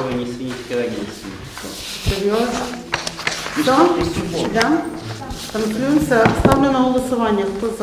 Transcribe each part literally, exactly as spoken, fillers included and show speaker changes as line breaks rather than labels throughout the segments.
ни свиньи, ни агентства.
Серйозно? Все? Да? Танцюємося. Ставлю на голосування. Хто за?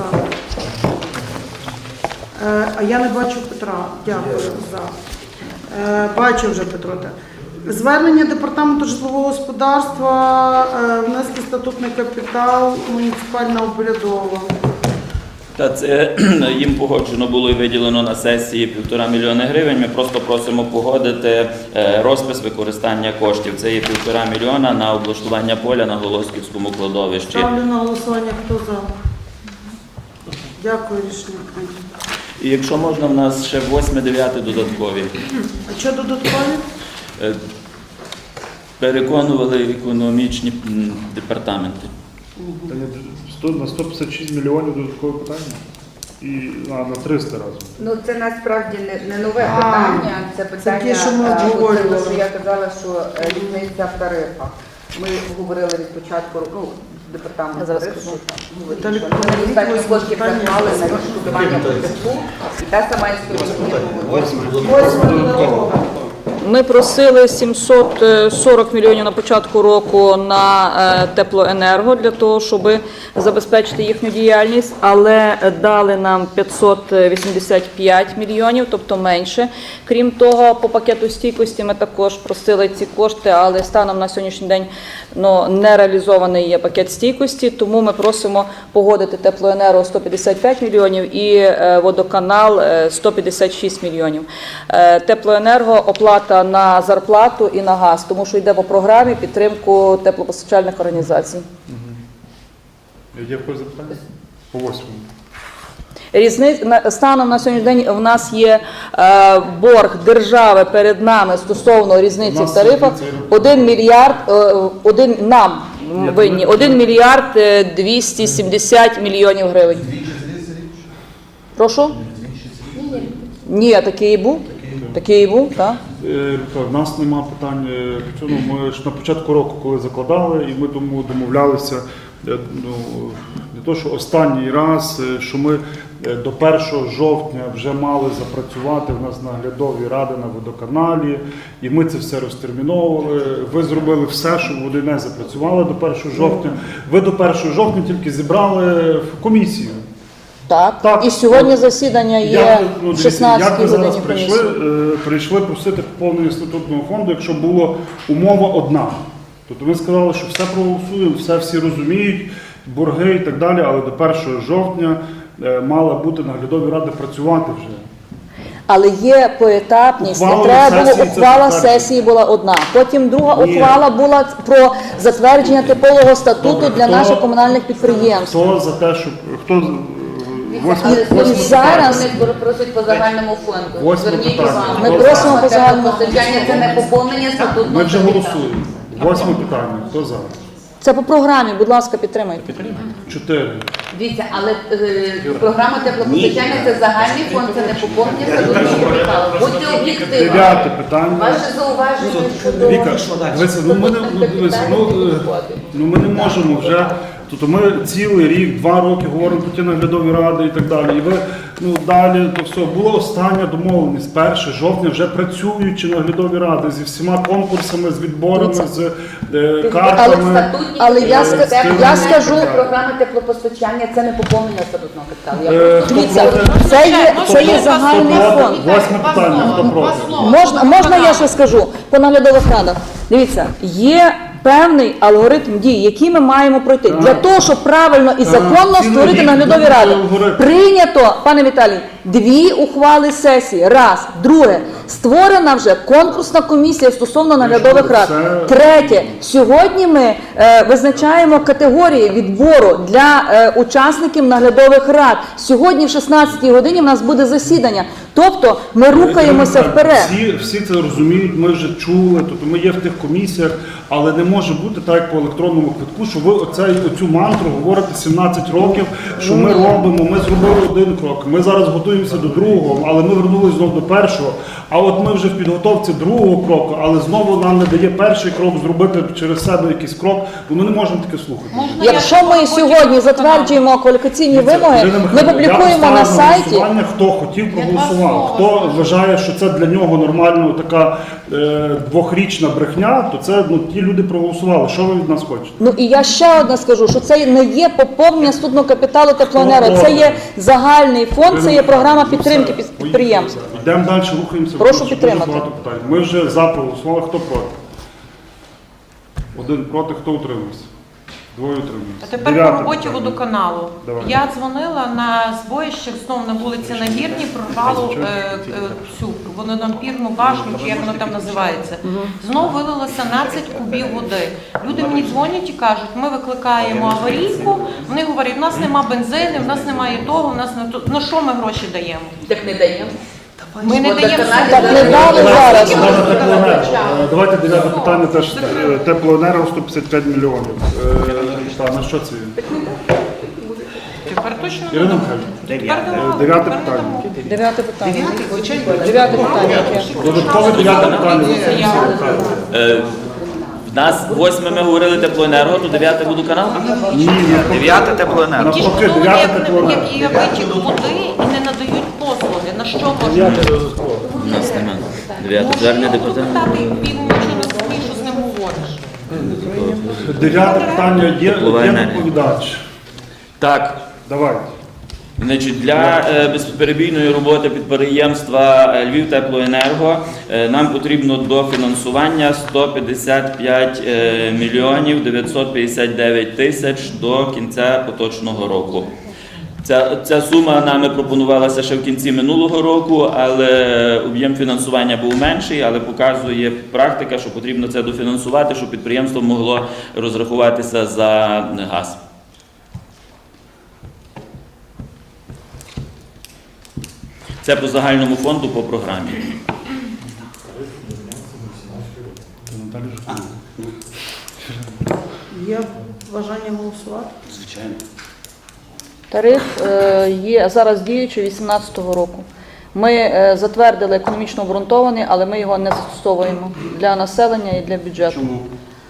Е, а я не бачу Петра. Дякую за. Е, бачу вже Петро. Так. Звернення Департаменту житлового господарства, е, внести статутний капітал, муніципальна обрядова.
Та це їм погоджено було і виділено на сесії півтора мільйони гривень. Ми просто просимо погодити розпис використання коштів. Це є півтора мільйона на облаштування поля на Голосківському кладовищі.
Ставлю на голосування. Хто за? Дякую, рішення прийнято.
І якщо можна, в нас ще восьме, дев'яте додаткові.
А що додаткові?
Переконували економічні департаменти.
На сто п'ятдесят шість мільйонів додаткове питання? І а, на триста разів.
Ну це насправді не, не нове
А,
питання, це питання,
ті, що ми
е,
обговорювали.
це те, що я казала, що е, різниця в тарифах. Ми говорили від початку, ну, департамент
зараз
тарифів,
скажу.
говорить,
Віталій,
що ми недостатньо
восьме
коштів
питання.
заклали на відшкодування податків, і та сама історія.
Ми просили сімсот сорок мільйонів на початку року на е, теплоенерго для того, щоб забезпечити їхню діяльність, але дали нам п'ятсот вісімдесят п'ять мільйонів, тобто менше. Крім того, по пакету стійкості ми також просили ці кошти, але станом на сьогоднішній день ну, не реалізований є пакет стійкості, тому ми просимо погодити теплоенерго сто п'ятдесят п'ять мільйонів і е, водоканал е, сто п'ятдесят шість мільйонів. Е, теплоенерго оплата на зарплату і на газ, тому що йде по програмі підтримку теплопостачальних організацій.
Є в когось запитання? По восьмому.
Різниць, на- станом на сьогоднішній день в нас є е, борг держави перед нами стосовно різниці
У
в
нас
тарифах
є цей рахунок.
один мільярд, е, один нам
Ні,
винні,
то ми-
один мільярд е, двісті сімдесят мільйонів гривень. Прошу? Ні, такий і був. Такий і був, так.
Е, В нас нема питань е, по цьому. Ми ж на початку року, коли закладали, і ми тому домовлялися, е, ну, не то, що останній раз, е, що ми е, до першого жовтня вже мали запрацювати в нас наглядові ради на водоканалі, і ми це все розтерміновували. Ви зробили все, щоб вони не запрацювали до першого жовтня. Ви до першого жовтня тільки зібрали в комісію.
Так.
Так.
І сьогодні засідання є
Як, ну,
в
дивіться,
шістнадцятій
як ви зараз
годині
прийшли,
комісії.
е, прийшли просити поповнення статутного фонду, якщо була умова одна. Тобто ви сказали, що все проголосуємо, все всі розуміють, борги і так далі, але до першого жовтня е, мала бути наглядові ради працювати вже.
Але є поетапність, не
Ухвала
треба було,
сесії це
ухвала
затвердження.
сесії була одна. Потім друга
Ні.
ухвала була про затвердження типового статуту
Добре,
для
хто-
наших комунальних підприємств.
Хто за те, щоб хто е, восьме,
Але
І
восьме
сьогодні
зараз-
вони просять по загальному фонду.
Восьме
Зверніть
питання.
увагу.
Ми
просимо по загальному
Теплопостачання – це не поповнення статутного
ми вже
капіталу.
голосуємо. Восьме питання. Хто за?
Це по програмі, будь ласка, підтримайте.
Чотири.
Дивіться, але е, програма теплопостачання – це загальний фонд, це не поповнення статутного капіталу. Будьте об'єктивні.
Дев'яте питання.
Ваше зауваження щодо...
Віка, дивися, ну ми не ну, дивися, ну, е, ну ми не можемо вже. Тобто ми цілий рік, два роки говоримо про ті наглядові ради і так далі. І ви ну далі, то все була остання домовленість. перше жовтня вже працюючі наглядові ради зі всіма конкурсами, з відборами, з е,
Але
картами.
статутні
Але я
капітали,
ска-
це
я
не
скажу-
програма теплопостачання – це не поповнення статутного капіталу. Я
Е,
просто-
хто
Дивіться,
проти?
це є, це є загальний
Хто
фонд.
проти? Восьме питання. Хто проти?
Можна, можна я ще скажу по наглядових радах? Дивіться, є певний алгоритм дій, який ми маємо пройти. Для того, щоб правильно і законно
цілий
створити
рік
наглядові
буде
ради.
алгоритм.
Прийнято, пане Віталій, дві ухвали сесії. Раз. Друге. Створена вже конкурсна комісія стосовно наглядових рад.
Це-
Третє. Сьогодні ми е, визначаємо категорії відбору для е, учасників наглядових рад. Сьогодні в шістнадцятій годині в нас буде засідання. Тобто ми рухаємося вперед.
Всі, всі це розуміють, ми вже чули, тобто ми є в тих комісіях, але не може бути так, як по електронному квитку, що ви оцей, оцю мантру говорите сімнадцять років, що ми робимо, ми зробили один крок, ми зараз готуємося до другого, але ми вернулися знову до першого. А от ми вже в підготовці другого кроку, але знову нам не дає перший крок зробити через себе якийсь крок, бо ми не можемо таке слухати.
Якщо ми сьогодні затверджуємо кваліфікаційні вимоги,
Ірина
ми
Михайлівна,
публікуємо
я
на
поставлю
сайті.
голосування, хто хотів, проголосував. Хто вважає, що це для нього нормально така е, двохрічна брехня, то це ну, ті люди проголосували. Що ви від нас хочете?
Ну і я ще одне скажу, що це не є поповнення статутного капіталу теплоенерго, це є загальний фонд, це є програма підтримки під- підприємств.
Йдемо далі, рухаємося.
Прошу
Дуже
підтримати.
багато питань. Ми вже за проголосували, хто проти? Один проти, хто утримався? Двоє утрималися.
А тепер
Дев'яте
по роботі
питання.
водоканалу.
Давай.
Я дзвонила на збоїщах знов на вулиці Нагірній, прорвало е, е, цю водонапірну башню, чи як воно там називається. Знов вилило сімнадцять кубів води. Люди мені дзвонять і кажуть, ми викликаємо аварійку, вони говорять, у нас нема бензину, в нас немає того, в нас не то. На що ми гроші даємо?
Так не даємо.
Ми не даємо.
Так не дали зараз.
Давайте теплоенерго. Е, Давайте дев'яте питання теж е, теплоенерго сто п'ятдесят п'ять мільйонів. Е, та, на що це?
Тепер точно не
Ірина
дамо.
Михайлівна,
Тепер давали,
Е, дев'яте
тепер не
питання.
дамо.
Дев'яте питання. Дев'яте питання. яке?
Додаткове дев'яте питання.
Е, В нас восьме ми говорили теплоенерго, то дев'яте водоканал?
Ні, навпаки.
Дев'яте теплоенерго.
Ті ж
Навпаки,
хто
дев'яте
як,
теплоенерго.
як є витік води і не надають послуги. На що можна?
У нас немає. Дев'яте звернення департаменту.
Депутати, він нічого не розуміє, що з ним говориш.
Дев'яте питання є,
Теплова
є
енергія.
доповідач.
Так,
Давайте.
значить, для е, безперебійної роботи підприємства е, Львівтеплоенерго е, нам потрібно дофінансування сто п'ятдесят п'ять е, мільйонів дев'ятсот п'ятдесят дев'ять тисяч до кінця поточного року. Ця, ця сума нами пропонувалася ще в кінці минулого року, але об'єм фінансування був менший, але показує практика, що потрібно це дофінансувати, щоб підприємство могло розрахуватися за газ. Це по загальному фонду по програмі.
Є бажання голосувати?
Звичайно.
Тариф е, є зараз діючий вісімнадцятого року. Ми е, затвердили економічно обґрунтований, але ми його не застосовуємо для населення і для бюджету.
Чому?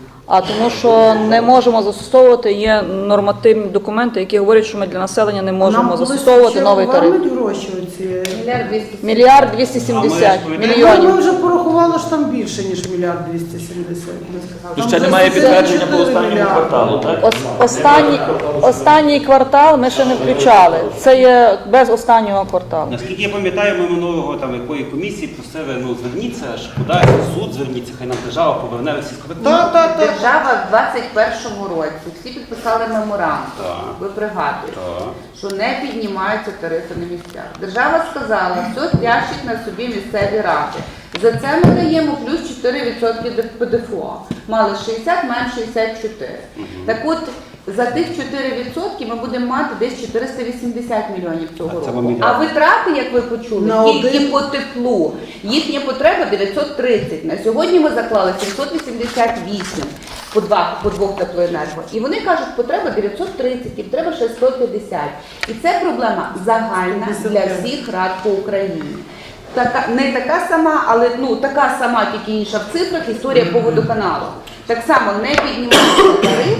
А тому, що не можемо застосовувати, є нормативні документи, які говорять, що ми для населення не можемо
Нам колись
застосовувати
ще
новий тариф.
повернуть гроші оці?
Мільярд двісті.
Мільярд двісті сімдесят
А ми ж
Ми
мільйонів.
вже порахували, що там більше, ніж мільярд двісті сімдесят.
То
Там
ще немає
двісті
підтвердження по
чотири
останньому
мільярди.
кварталу, так?
Ос- Останній, останній квартал ми ще не включали. Це є без останнього кварталу.
Наскільки я пам'ятаю, ми минулого там якої комісії просили, ну зверніться, аж куди в суд зверніться, хай нам держава поверне всі
Та, та, та.
Держава в двадцять першому році всі підписали меморандум.
Так.
Ви пригадуєте,
Так.
що не піднімаються тарифи на місцях. Держава сказала, все тяжчить на собі місцеві ради. За це ми даємо плюс чотири відсотки ПДФО. Мали шістдесят, маємо шістдесят чотири. Так от, за тих чотири відсотки ми будемо мати десь чотириста вісімдесят мільйонів цього
А це
року.
вам мільярд.
А витрати, як ви почули,
На
тільки
один-
по теплу. Їхня потреба дев'ятсот тридцять. На сьогодні ми заклали сімсот вісімдесят вісім по, два, по двох теплоенерго. І вони кажуть, потреба дев'ятсот тридцять, і треба ще сто п'ятдесят. І це проблема загальна для всіх рад по Україні. Така, не така сама, але ну, така сама, тільки інша в цифрах, історія по водоканалу. Так само не піднімається тариф,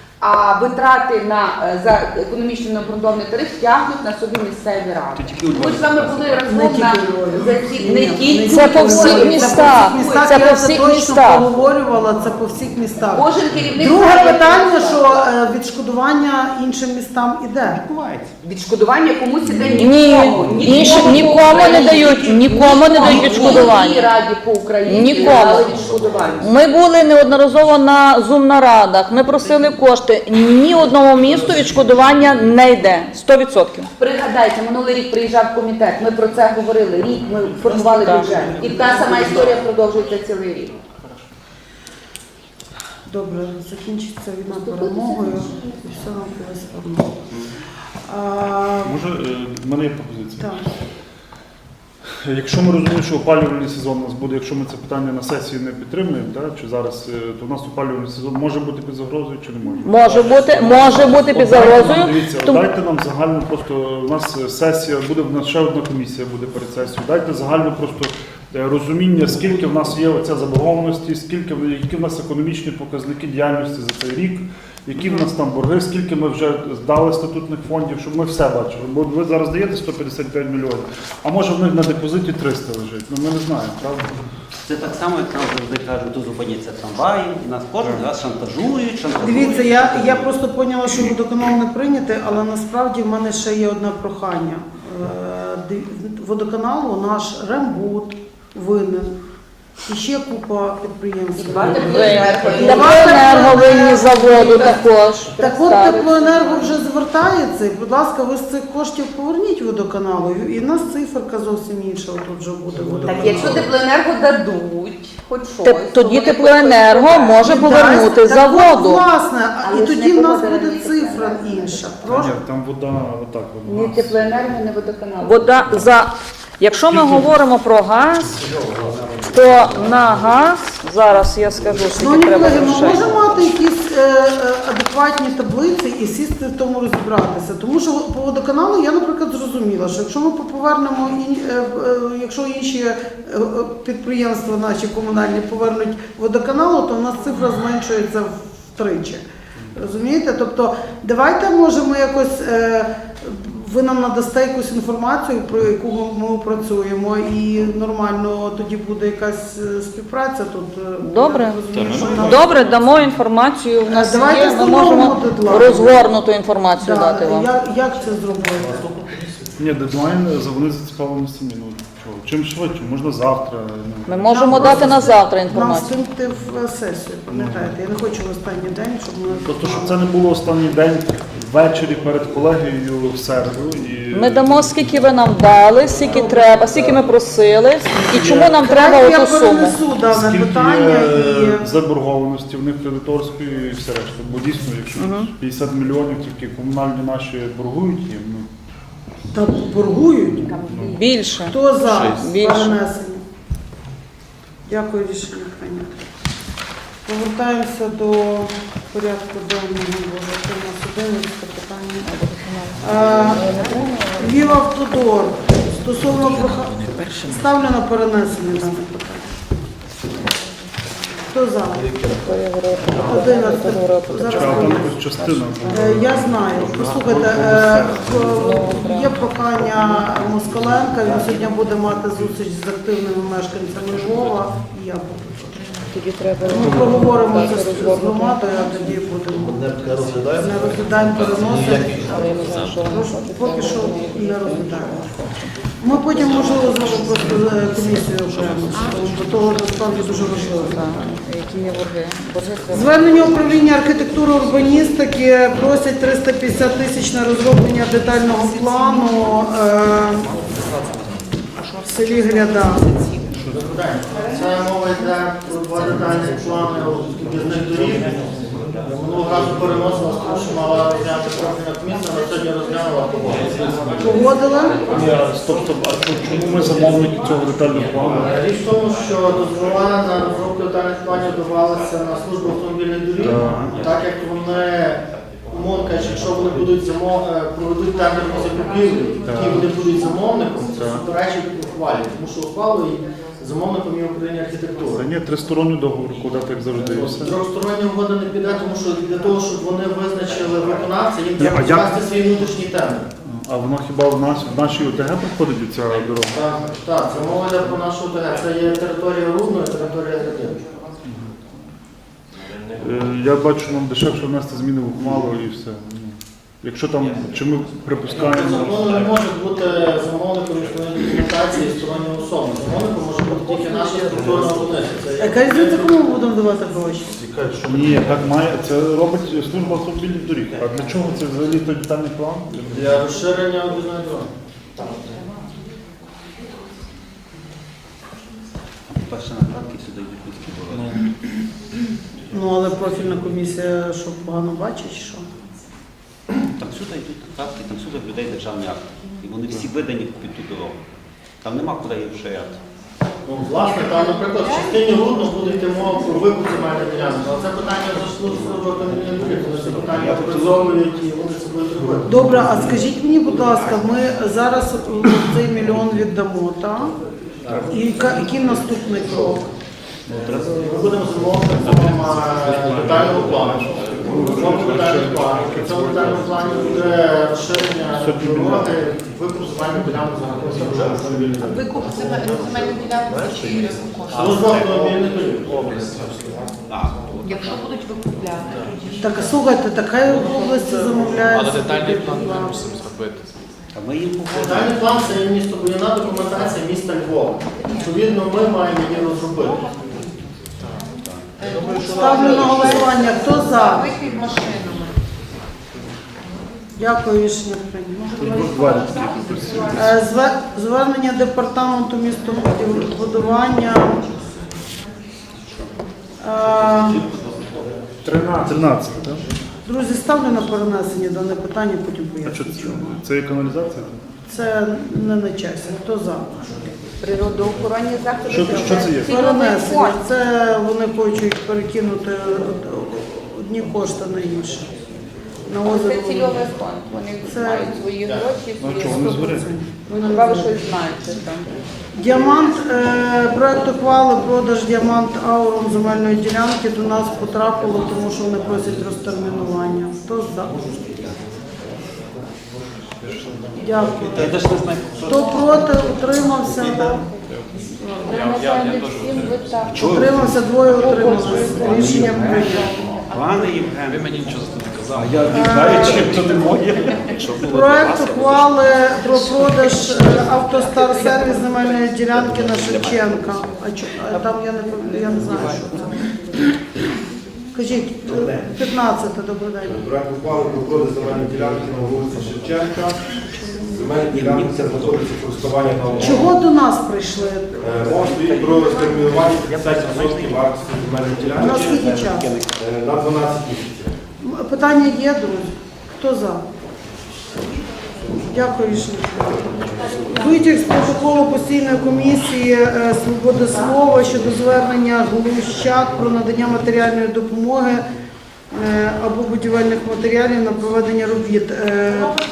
а витрати на, е, за економічно необґрунтований тариф тягнуть на собі місцеві ради.
тільки у
Ми ж з вами були разом
тільки
на
у Львові.
за ці
Ні,
не
ні,
тільки
Це по
у
всіх
Львові.
містах.
містах,
Це
я
по
це
всіх
точно
містах.
проговорювала, це по всіх містах.
Кожен керівник
Друге
знає,
питання,
як
що е, відшкодування іншим містам іде.
відбувається.
відшкодування комусь іде
Ні,
нікому.
інші-
по
нікому не
Україні.
дають, нікому не дають
Ні
відшкодування.
одній раді по Україні
Нікому.
не дали відшкодування.
Ми були неодноразово на зум-нарадах, ми просили кошти. Ні одному місту відшкодування не йде. сто відсотків.
Пригадайте, минулий рік приїжджав комітет, ми про це говорили, рік ми формували бюджет. І та сама історія продовжується цілий рік.
Добре, закінчиться війна перемогою і все нам колись одно. А,
Може, е, в мене є пропозиція.
так.
Якщо ми розуміємо, що опалювальний сезон у нас буде, якщо ми це питання на сесії не підтримуємо, так, чи зараз, е, то у нас опалювальний сезон може бути під загрозою чи не може?
Може бути, може бути під
От дайте нам,
загрозою.
Дивіться,
Тому-
дайте нам загально просто, у нас сесія, буде в нас ще одна комісія буде перед сесією, дайте загально просто е, розуміння, скільки в нас є оця заборгованості, скільки в- які в нас економічні показники діяльності за цей рік, які в нас там борги, скільки ми вже здали статутних фондів, щоб ми все бачили. Бо ви зараз даєте сто п'ятдесят п'ять мільйонів, а може в них на депозиті триста лежить. Ну ми не знаємо, правда?
Це так само, як нам завжди кажуть, то зупиняться трамваї, і нас кожен раз шантажують, шантажують.
Дивіться, я, я просто поняла, що водоканал не прийнятий, але насправді в мене ще є одне прохання. Е, див- Водоканалу наш Рембуд винен. І ще купа підприємств.
Два теплоенерго. І
Теплоенерго винні заводу також.
Так от
представить.
теплоенерго вже звертається, і, будь ласка, ви з цих коштів поверніть водоканалу, і в нас циферка зовсім інша тут вже буде
Так
водоканалу.
якщо теплоенерго дадуть, хоч щось,
Теп-
то
Тоді
вони
теплоенерго
хоч
може
І
повернути
дасть- так от,
заводу.
власне, а-
Але
і
ж
тоді
не
в нас
погодили
буде
ні
цифра
теплоенерго.
інша.
Ні,
Прошу.
там вода отак.
Ні
Вона.
теплоенерго, ні водоканал.
Вода за якщо ми говоримо про газ, то на газ зараз я скажу, скільки
Шановні
треба
колеги, ми
грошей.
можемо мати якісь е, е, адекватні таблиці і сісти в тому розібратися. Тому що по водоканалу я, наприклад, зрозуміла, що якщо ми повернемо, ін- е, е, якщо інші е, е, підприємства наші комунальні повернуть водоканалу, то в нас цифра зменшується втричі. Розумієте? Тобто, давайте, може, ми якось, е, ви нам надасте якусь інформацію, про яку ми, ми працюємо, і нормально тоді буде якась е, співпраця тут. е,
Добре.
я розумію, що в нас-
Добре, дамо інформацію. В нас
Давайте
є, ми
встановимо
можемо
дедлайн.
розгорнуту інформацію
Да,
дати вам.
як, як це зробити?
Ні, дедлайн за- вони зацікавлені самі. Ну, чого? Чим швидше, можна завтра. Ну.
Ми можемо
Нам
дати
просто
на завтра
Нам
інформацію.
стимти в сесію, пам'ятаєте? Я не хочу в останній день, щоб ми...
Тобто, щоб це не було останній день ввечері перед колегією в середу. І...
Ми дамо, скільки ви нам дали, скільки треба, скільки ми просили, і чому нам треба
Я
оту суму.
перенесу дане
Скільки
питання
є
і...
заборгованості в них кредиторської і все решта. Бо дійсно, якщо п'ятдесят мільйонів тільки комунальні наші боргують їм, ну,
Та боргують.
Більше.
Хто за
Більше.
перенесення? Дякую, рішення прийнято. Повертаємося до порядку денного. Боже, це у нас одинадцяте питання. Е, Львів Автодор. Стосовно прохання. Ставлю на перенесення дане питання. Хто за? одинадцяте. Зараз
а там
хвилинку.
якась частина.
Е, Я знаю. Послухайте, е, в- є прохання Москаленка, він сьогодні буде мати зустріч з активними мешканцями Львова, і я буду.
Тоді треба
Ми проговоримо це з- з
розгорнути.
громадою, а тоді будемо.
Не розглядаємо.
Не розглядаємо, переносимо.
Але я не знаю, що воно
Прошу, поки що не розглядаємо. Ми потім, можливо, знову просто е, комісію окремо, бо того насправді дуже важливо.
Які є борги? Борги треба.
Звернення управління архітектури урбаністики просять триста п'ятдесят тисяч на розроблення детального плану е, в селі Гряда.
Це мова йде про два детальні плани об'їзних доріг. Минулого разу переносила, тому що мала розглянути профільна комісія, на сьогодні розглянула погодила.
Погодили?
Стоп, стоп, а чому- чому ми замовники цього детального плану?
Річ в тому, що дозвола на розробку детальних планів давалися на службу автомобільних доріг, так як вони, умовно кажучи, якщо вони будуть замов... е, проведуть тендерну закупівлю, які вони будуть замовником, це суперечить ухвалі, тому що ухвалою замовником є Україна
Та
архітектура.
ні, тристоронній договор, куди так завжди. і все.
Трьохстороння угода не піде, тому що для того, щоб вони визначили виконавця, їм
Ні,
треба
а як-
ввести свій внутрішній тендер.
А воно хіба в нас в нашій ОТГ проходить ця дорога?
Так, так, це мова йде про нашу ОТГ. Це є територія Рудної, територія Гряди.
Е, Я бачу, нам дешевше внести зміни в ухвалу і все. Ну, якщо там, чи ми припускаємо.
Закону не може бути замовником міжнародної документації сторонньої особи. Замовником може бути тільки наша структурна одиниця. Це є-
Яка різниця, кому ми будемо давати гроші?
Ні, так має. Це робить служба автомобільних доріг. А для чого це взагалі той детальний план?
Для розширення об'їзної дороги.
Перші накладки сюди йдуть людські дороги.
Ну, але профільна комісія, що погано бачить, чи що?
Там всюди йдуть накладки, там всюди в людей державні акти. І вони всі видані під ту дорогу. Там нема куди їх вширяти.
Ну, власне, там, наприклад, в частині Рудно буде йти мова про викуп земельних ділянок. Але це питання зайшло з служби автомобільних доріг. Вони це питання опрацьовують і вони це будуть робити.
Добре, а скажіть мені, будь ласка, ми зараз цей мільйон віддамо, так? І яка- який наступний крок?
Ми будемо замовити вам детального плану. Замовимо детальний план. В цьому детальному плані буде розширення дороги, викуп земельних ділянок за рахунок вже автомобільних доріг.
Викуп земельних ділянок за чиї кошти?
Служба автомобільних доріг.
Якщо будуть викупляти.
Так, слухайте, така в області замовляється.
Але детальний план ми не мусимо зробити.
А ми їм
Детальний план це є містобудівна документація міста Львова. Відповідно, ми маємо її розробити.
Ставлю на голосування. Хто за?
Вихід машинами.
Дякую, рішення прийнято. Е, зве- Звернення департаменту містобудування. Е,
тринадцять, так?
Друзі, ставлю на перенесення дане питання, потім
А що
поясню.
це? Це є каналізація?
Це не на часі. Хто за?
Природоохоронні заходи.
Що- що це є?
цільовий
Перенесення.
фонд.
Це вони хочуть перекинути одні кошти на інші. На
Це
озеро.
цільовий фонд. Вони
Це-
мають свої гроші.
Ну
свої
що, вони
структури.
зберуть?
Ну, хіба ви щось знаєте там.
Діамант, е, проект ухвали продаж діамант аурум земельної ділянки до нас потрапило, тому що вони просять розтермінування. Хто за? Дякую.
Я теж не знаю,
Хто проти, утримався? Утримався, двоє утрималися. Рішення прийнято.
Пане Євген,
Ви мені нічого за це не казали.
я не знаю, чим то не моє.
Проект ухвали про продаж е, автостар сервіс земельної ділянки на Шевченка. А чо- а там я не пам- я не знаю, що це. Кажіть, е, п'ятнадцяте, добрий день.
Проект ухвали про продаж земельної ділянки на вулиці Шевченка. Земельні ділянки знаходяться в користуванні на
Чого до нас прийшли?
Е, Мова стоїть про розтермінування п'ятдесят відсотків вартості земельної
У нас
ділянки
скільки часу?
е, на дванадцять місяців.
М, Питання є, друзі? Хто за? Дякую, рішення. Витяг з протоколу постійної комісії е, свободи слова щодо звернення Глущак про надання матеріальної допомоги е, або будівельних матеріалів на проведення робіт. Е,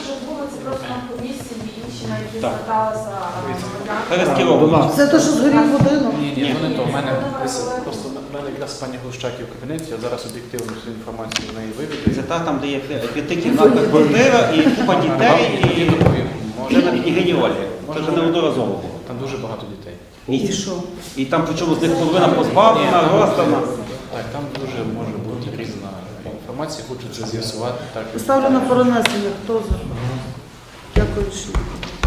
Перескеровано.
Це те, що згорів будинок?
Ні, ні, то не то. У мене десь просто в мене якраз пані Глущаків в кабінеті, я зараз об'єктивно всю інформацію з неї
Це
виведу.
та там, де є п'ятикімнатна квартира і купа дітей,
І
і
доповім.
вже на княгині Ольги. Це вже неодноразово було.
Там дуже багато дітей.
І що?
І там причому з них половина позбавлена, роздана.
Так, там дуже може бути різна інформація, хочу це з'ясувати. Так.
Ставлю на перенесення. Хто за? Дякую, рішення.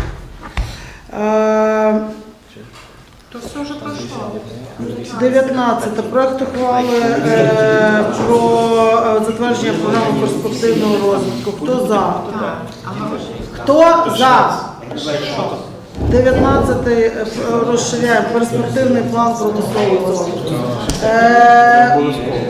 Е,
То все вже пройшло.
дев'ятнадцяте. Проект ухвали е, про е, затвердження програми перспективного розвитку. Хто за? Хто за? дев'ятнадцятий е, розширяємо перспективний план промислового розвитку. Е,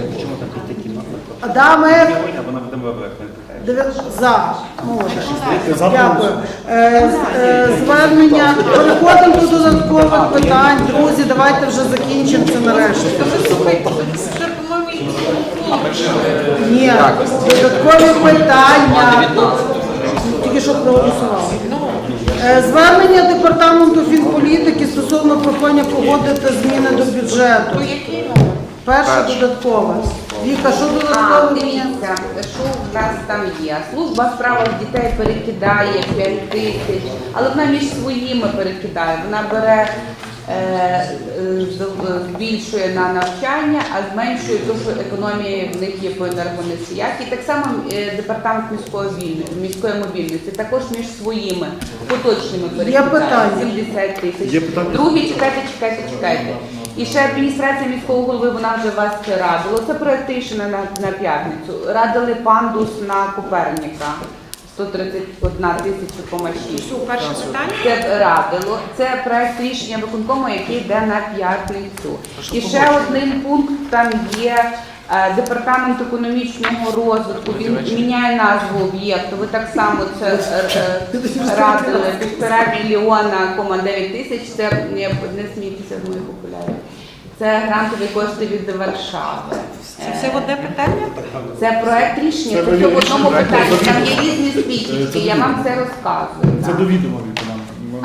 Адамик.
Вона буде вибрати.
Дев'ят- За. Молодець. Дякую. Е, з- е, Звернення. Переходимо до додаткових питань. Друзі, давайте вже закінчимо це нарешті.
Слухайте, це, по-моєму, і-
Ні, додаткові питання. Тільки що проголосували. Е, Звернення департаменту фінполітики стосовно прохання погодити зміни до бюджету.
То який номер?
Перше додаткове. Віка, що
А,
додаткове?
дивіться, що в нас там є. Служба в справах дітей перекидає п'ять тисяч, але вона між своїми перекидає. Вона бере, е, е, з- збільшує на навчання, а зменшує те, що економія в них є по енергоносіях. І так само е, департамент міської вільності, міської мобільності також між своїми поточними перекидає.
питання?
сімдесят тисяч.
Є питання?
Другі, чекайте, чекайте, чекайте. І ще адміністрація міського голови, вона вже вас радила. Це проект рішення на, на п'ятницю. Радили пандус на Коперніка. сто тридцять одна тисяча кома шість.
Що, перше питання?
Це радило. Це проект рішення виконкому, який йде на п'ятницю. І ще один пункт там є. е, Департамент економічного розвитку, він міняє назву об'єкту. Ви так само це е, е, радили. Півтора мільйона, кома дев'ять тисяч. Це не, не смійтеся з моїх окулярів. Це грантові кошти від Варшави.
Це все в одне питання?
Це проект рішення,
Це
це в одному
рішення,
питанні.
це
Там є
відомо.
різні спічки, я вам це розказую.
Це
так.
до відома від нам.
А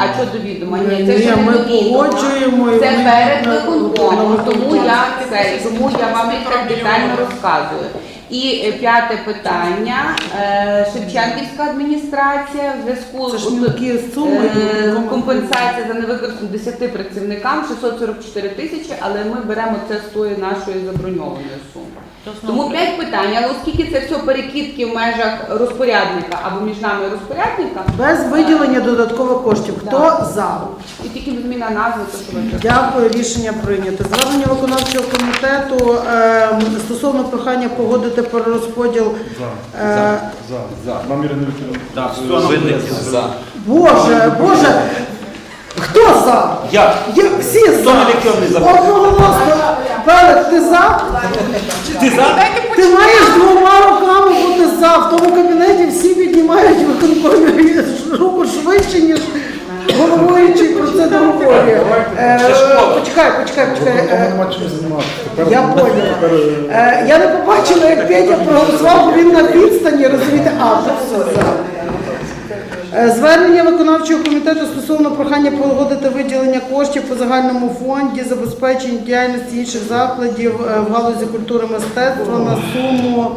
А що до відома? Ні, це
Ні,
ще не
ми
до відома.
погоджуємо, і
Це
ми
перед
на-
виконкомом,
на
тому
виконкомі.
я це, тому я вам і так детально розказую. І е, п'яте питання. Е, Шевченківська адміністрація в зв'язку
Це ж
з
мілкі суми,
Е,
виконком.
компенсація за невикористані десяти працівникам шістсот сорок чотири тисячі, але ми беремо це з тої нашої заброньованої суми. Тому п'ять питань, але оскільки це все перекидки в межах розпорядника або між нами і розпорядника,
Без виділення додаткових коштів. Хто
Да.
за?
і тільки зміна назви, то що ви кажете.
Дякую, рішення прийнято. Звернення виконавчого комітету е, стосовно прохання погодити перерозподіл.
За.
Е,
За. За. Нам Ірина Вікторівна.
Винники за.
Боже, Боже, хто за?
Я.
Я всі за.
електронний за.
Одноголосно. Пелик, ти за?
Ти за?
Ти маєш двома руками бути за. В тому кабінеті всі піднімають виконкомі руку швидше, ніж головуючий про це договорює. Е, Почекай, почекай, почекай.
Тому
Е,
нема чим займатися. Тепер-
Я поняла.
тепер, е,
Е, Я не побачила, як Петя проголосував, бо він на відстані, розумієте, а, вже все, за. Е, Звернення виконавчого комітету стосовно прохання погодити виділення коштів по загальному фонді забезпечення діяльності інших закладів е, в галузі культури і мистецтва на суму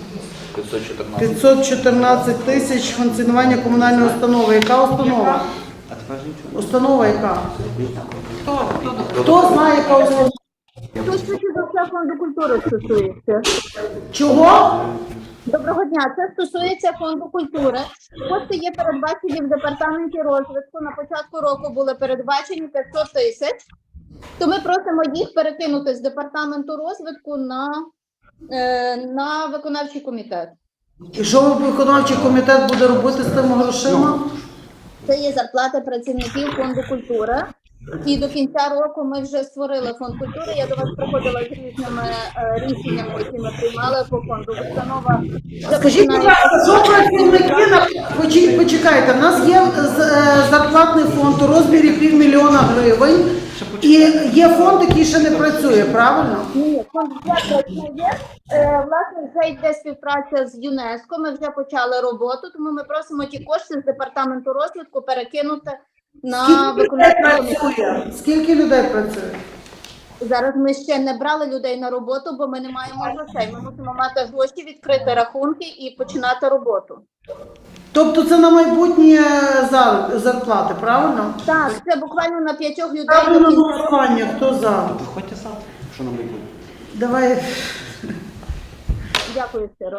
п'ятсот чотирнадцять тисяч функціонування комунальної установи. Яка установа? Установа яка?
Хто? Хто?
Хто знає, яка установа?
Тут це фонду культури стосується.
Чого?
Доброго дня. Це стосується фонду культури. Кошти є передбачені в департаменті розвитку. На початку року були передбачені п'ятсот тисяч. То ми просимо їх перекинути з департаменту розвитку на, е, на виконавчий комітет.
І що виконавчий комітет буде робити з тими грошима?
Це є зарплати працівників фонду культури. І до кінця року ми вже створили фонд культури. Я до вас приходила з різними е, рішеннями, які ми приймали по фонду. Установа
Скажіть, будь ласка, що працівники на Почі- почекайте, в нас є з- е, зарплатний фонд у розмірі півмільйона гривень, і є фонд, який ще не працює, правильно?
Ні, фонд вже працює. Е, Власне, вже йде співпраця з ЮНЕСКО. Ми вже почали роботу, тому ми просимо ті кошти з департаменту розвитку перекинути на
Скільки людей
виконавчий комітет.
працює? Скільки людей працює?
Зараз ми ще не брали людей на роботу, бо ми не маємо грошей. Ми мусимо мати гроші, відкрити рахунки і починати роботу.
Тобто це на майбутнє зар- зарплати, правильно?
Так, це буквально на п'ятьох людей.
Ставлю на
до кінця року.
голосування, хто за?
Виходьте завтра, що нам не буде.
Давай.
Дякую, Сиро.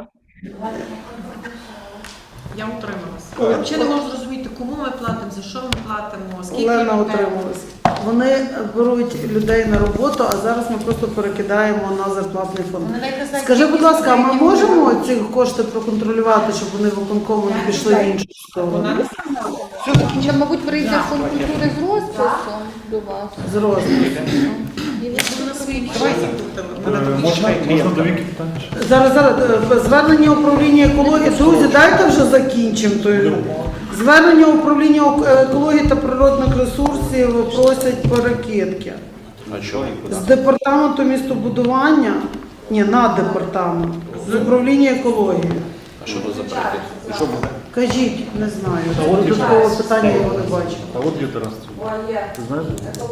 Я утрималася. Взагалі не можу зрозуміти, кому ми платимо, за що ми платимо, скільки
Олена
людей.
утрималась. Вони беруть людей на роботу, а зараз ми просто перекидаємо на зарплатний фонд.
Вони навіть не знають,
Скажи, будь
скільки
ласка, а ми
студентів
можемо
буде.
ці кошти проконтролювати, щоб вони виконкому не пішли в іншу сторону?
Ще, мабуть, прийде фонд культури з розписом до вас.
З розміру.
Вони на свої
Е, Можна можна до Віки питання? ще?
Зараз, зараз, е, звернення управління екології. Друзі, дайте вже закінчимо. той. Звернення управління ок- екології та природних ресурсів просять перекидки.
А що?
З департаменту містобудування, ні, на департамент, з управління екології.
А що то за перекид? І що буде?
Кажіть, не знаю. Додаткове питання я його не бачу.
А от є Тарас. Ти знаєш?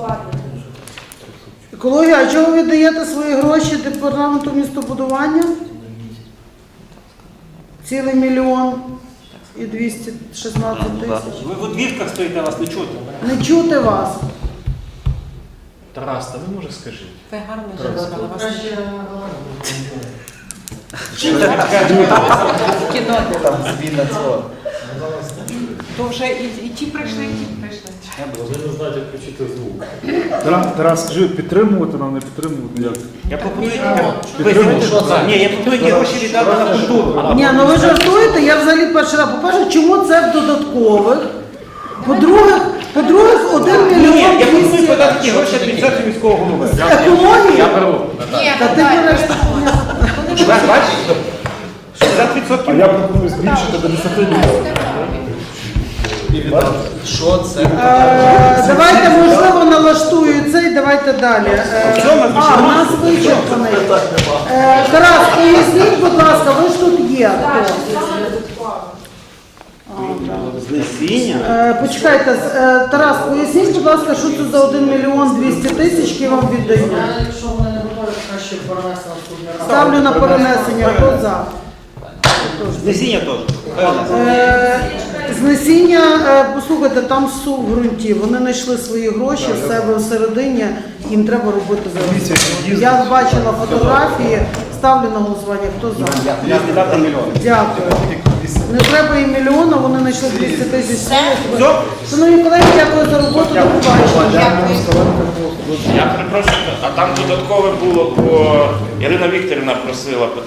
Екологія, а чого ви віддаєте свої гроші департаменту містобудування? Цілий мільйон і двісті шістнадцять тисяч.
Ви в одвірках стоїте, вас не чути.
Не чути вас.
Тарас, та ви може скажіть?
Ви гарно жінка, але вас не кіно. То вже і, і ті прийшли, і ті прийшли.
Тарас, Тарас, скажи, підтримувати нам, не підтримувати? Як?
Я пропоную ви знаєте, що це? Ні, я пропоную ті гроші віддати на культуру.
Ні, ну ви жартуєте, я взагалі перший раз. По-перше, чому це в додаткових? По-друге, по-друге, один
Ні,
мільйон
я пропоную
двісті.
подати ті гроші адміністрації міського голови.
Екологія?
Ні,
Та ти береш.
Бачиш? шістдесят
А
відсотків.
я пропоную збільшити до десяти мільйонів.
Що це?
Е, Давайте, можливо, налаштую цей, давайте далі. Е, А, у нас вичерпаний. Е, Тарас, поясніть, будь ласка, ви ж тут є. Хто?
Знесіння?
Е, Почекайте, з- е, Тарас, поясніть, будь ласка, що це за один мільйон двісті тисяч, які вам віддають?
Я, якщо вони не готові, краще перенести на наступний раз.
Ставлю на перенесення. Хто за?
Знесіння теж.
Е, Знесіння, е, послухайте, там сув в ґрунті. Вони знайшли свої гроші в себе всередині, їм треба робити зараз. Я бачила фотографії, ставлю на голосування. Хто за?
Я віддав там мільйон.
Дякую. Не треба і мільйона, вони знайшли двісті тисяч. Шановні колеги, дякую за роботу. До побачення.
Я перепрошую, а там додаткове було, бо Ірина Вікторівна просила